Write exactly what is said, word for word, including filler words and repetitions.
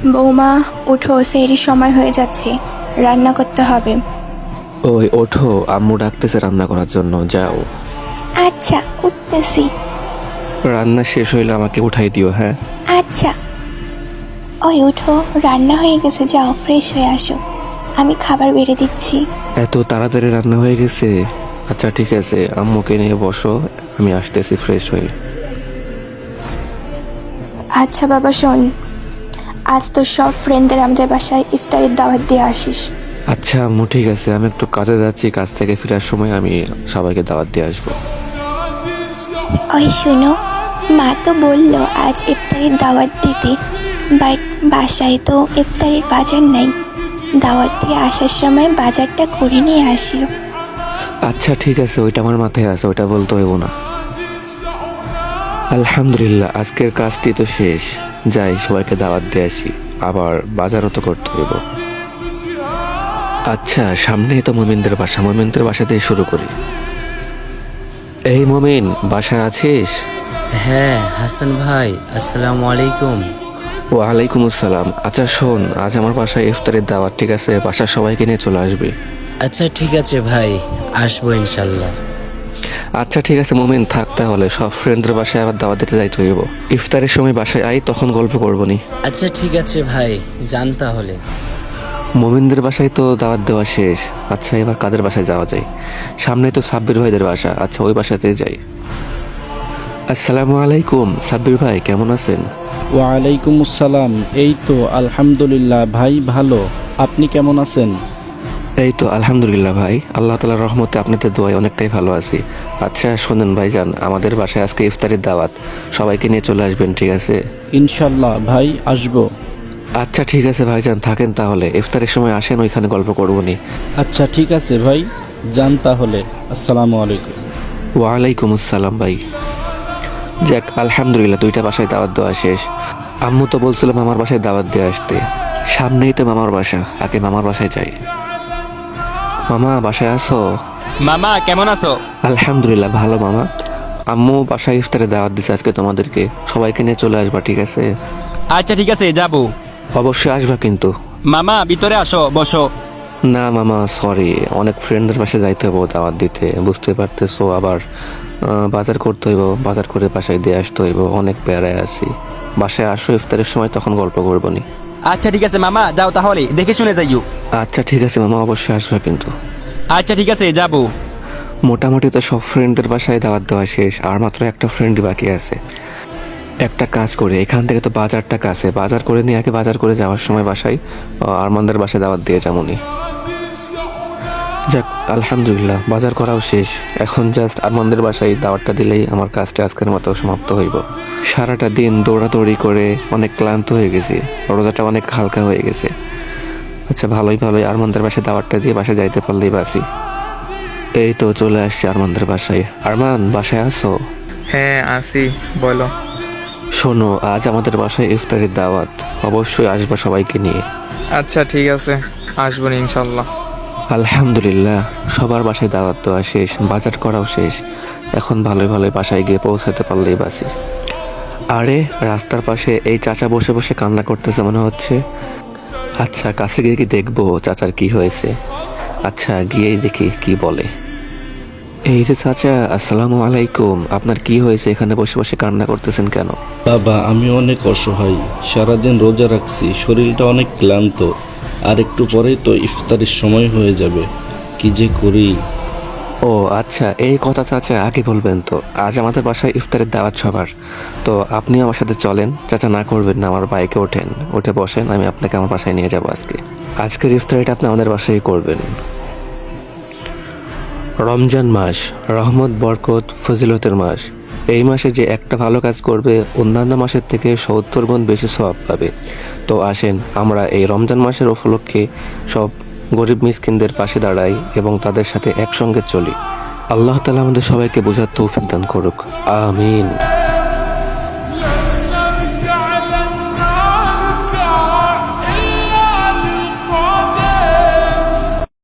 বৌমা উঠো, সেহরির সময় হয়ে যাচ্ছে, রান্না করতে হবে। ওই ওঠো, আম্মু ডাকতেছে রান্না করার জন্য, যাও। আচ্ছা উঠতেছি। রান্না শেষ হইলে আমাকে উঠাই দিও, হ্যাঁ? আচ্ছা। ওই উঠো, রান্না হয়ে গেছে, যাও ফ্রেশ হয়ে আসো, আমি খাবার বেড়ে দিচ্ছি। এত তাড়াতাড়ি রান্না হয়ে গেছে? আচ্ছা ঠিক আছে, আম্মুকে নিয়ে বসো, আমি আসতেছি ফ্রেশ হয়ে। আচ্ছা বাবা শোন, আজ তো সব ফ্রেন্ডদের আমাদের বাসায় ইফতারের দাওয়াত দিয়ে আসিস। আচ্ছা আম্মু ঠিক আছে, আমি একটু কাজে যাচ্ছি, কাজ থেকে ফেরার সময় আমি সবাইকে দাওয়াত দিয়ে আসবো। ওই শোনো, মা তো বললো আজ ইফতারের দাওয়াত দিতে, বাট বাসায় তো ইফতারের বাজার নাই, দাওয়াত দিয়ে আসার সময় বাজারটা করে নিয়ে আসিও। আচ্ছা ঠিক আছে, ওইটা আমার মাথায় আছে, ওইটা বলতে হইব না। আলহামদুলিল্লাহ, আজকের কাজটি তো শেষ, যাই সবাইকে দাওয়াত দিয়ে আসি, আবার বাজারও তো করতে হইব। আচ্ছা সামনেই তো মোমিনদের বাসা, মোমিনদের বাসা দিয়ে শুরু করি। এই মোমিন, বাসায় আছিস? হ্যাঁ হাসান ভাই, আসসালামু আলাইকুম। ওয়ালাইকুম আসসালাম। আচ্ছা শোন, আজ আমার বাসায় ইফতারের দাওয়াত, ঠিক আছে? বাসার সবাইকে নিয়ে চলে আসবি। আচ্ছা ঠিক আছে ভাই, আসবো ইনশাল্লাহ। আচ্ছা ঠিক আছে মোমিন, থাক তাহলে, সব ফ্রেন্ডদের বাসায় আবার দাওয়াত দিতে যাইতে হইব। ইফতারের সময় বাসায় আই, তখন গল্প করবো নি। আচ্ছা ঠিক আছে ভাই, যান তাহলে। মোমিনদের বাসায় তো দাওয়াত দেওয়া শেষ। আচ্ছা এবার কাদের বাসায় যাওয়া যায়? সামনে তো সাব্বির ভাইদের বাসা, আচ্ছা ওই বাসাতে যাই। আসসালামু আলাইকুম, সাব্বির ভাই কেমন আছেন? ওয়ালাইকুম আসসালাম। এই তো আলহামদুলিল্লাহ ভাই, ভালো। আপনি কেমন আছেন? এই তো আলহামদুলিল্লাহ ভাই, আল্লাহ তাআলার রহমতে আপনাদের দোয়ায় অনেকটাই ভালো আছি। আচ্ছা শোনেন ভাইজান, আমাদের বাসায় আজকে ইফতারের দাওয়াত, সবাইকে নিয়ে চলে আসবেন, ঠিক আছে? ইনশাল্লাহ ভাই, আসবো। আচ্ছা ঠিক আছে ভাইজান, থাকেন তাহলে, ইফতারের সময় আসেন, ওইখানে গল্প করবো নি। আচ্ছা ঠিক আছে ভাই, যান তাহলে। আসসালামু আলাইকুম। ওয়ালাইকুম আসসালাম ভাই। যাক আলহামদুলিল্লাহ, দুইটা বাসায় দাওয়াত দেওয়া শেষ। আম্মু তো বলছিল মামার বাসায় দাওয়াত দিয়ে আসতে, সামনেই তো মামার বাসা, আগে মামার বাসায় যাই। মামা বাসায় আছো? মামা কেমন আছো? আলহামদুলিল্লাহ ভালো মামা। আম্মু বাসায় ইফতারে দাওয়াত দিচ্ছে আজকে তোমাদেরকে, সবাইকে নিয়ে চলে আসবা, ঠিক আছে? আচ্ছা ঠিক আছে, যাবো। অবশ্যই আসবা কিন্তু। মামা ভিতরে আসো, বসো। না মামা সরি, অনেক ফ্রেন্ডদের বাসায় যাইতে হবো দাওয়াত দিতে, বুঝতে পারতেছো, আবার আহ, বাজার করতে হইব, বাজার করে বাসায় দিয়ে আসতে হইব, অনেক প্যারায় আছি। বাসায় আসো ইফতারের সময়, তখন গল্প করবো নি। আচ্ছা ঠিক আছে মামা, যাও তাহলে, দেখে শুনে যাইও। আচ্ছা ঠিক আছে মামা, অবশ্যই আসবা কিন্তু। আচ্ছা ঠিক আছে, যাবো। মোটামুটি তো সব ফ্রেন্ডদের বাসায় দাওয়াত দেওয়া শেষ, আর মাত্র একটা ফ্রেন্ডই বাকি আছে। একটা কাজ করে, এখান থেকে তো বাজারটা কাছে, বাজার করে নিয়ে আগে বাজার করে যাওয়ার সময় বাসায় আহ, আরমানদের বাসায় দাওয়াত দিয়ে যেমনই। যাক আলহামদুলিল্লাহ, বাজার করাও শেষ, এখন জাস্ট আরমানদের বাসায় দাওয়াতটা দিলেই আমার কাজটা আজকের মতো সমাপ্ত হইব। সারাটা দিন দৌড়াদৌড়ি করে অনেক ক্লান্ত হয়ে গেছি, রোজাটা অনেক হালকা হয়ে গেছে। আচ্ছা ভালোই ভালোই আরমানদের বাসায় দাওয়াতটা দিয়ে বাসায় যাইতে পারলেই বাসি। এই তো চলে আসছি আরমানদের বাসায়। আরমান বাসায় আছো? হ্যাঁ আসি, বলো। শোনো, আজ আমাদের বাসায় ইফতারের দাওয়াত, অবশ্যই আসবা সবাইকে নিয়ে। আচ্ছা ঠিক আছে, আসবো না ইনশাল্লাহ। আলহামদুলিল্লাহ, সবার বাসায় দাওয়াত দেওয়া শেষ, বাজার করাও শেষ, এখন ভালোই ভালোই বাসায় গিয়ে পৌঁছাতে পারলেই বাসি। আরে রাস্তার পাশে এই চাচা বসে বসে কান্না করতেছে মনে হচ্ছে। আচ্ছা কাছে গিয়ে কি দেখবো চাচার কি হয়েছে। আচ্ছা গিয়েই দেখি কি বলে। এই যে চাচা, আসসালামু আলাইকুম, আপনার কি হয়েছে, এখানে বসে বসে কান্না করতেছেন কেন? বাবা আমি অনেক অসহায়, সারাদিন রোজা রাখছি, শরীরটা অনেক ক্লান্ত, আর একটু পরেই তো ইফতারের সময় হয়ে যাবে, কি যে করি। ও আচ্ছা, এই কথা চাচা আগে বলবেন তো, আজ আমাদের বাসায় ইফতারের দাওয়াত সবার, তো আপনি আমার সাথে চলেন। চাচা না করবেন না, আমার বাইকে ওঠেন, উঠে বসেন, আমি আপনাকে আমার বাসায় নিয়ে যাবো আজকে। আজকের ইফতারিটা আপনি আমাদের বাসায় করবেন। রমজান মাস রহমত, বরকত, ফজিলতের মাস। এই মাসে যে একটা ভালো কাজ করবে অন্যান্য মাসের থেকে সত্তর গুণ বেশি সওয়াব পাবে। তো আসেন আমরা এই রমজান মাসের উপলক্ষে সব গরিব মিসকিনদের পাশে দাঁড়াই এবং তাদের সাথে একসঙ্গে চলি। আল্লাহ তাআলা আমাদের সবাইকে বোঝার তৌফিক দান করুক, আমিন।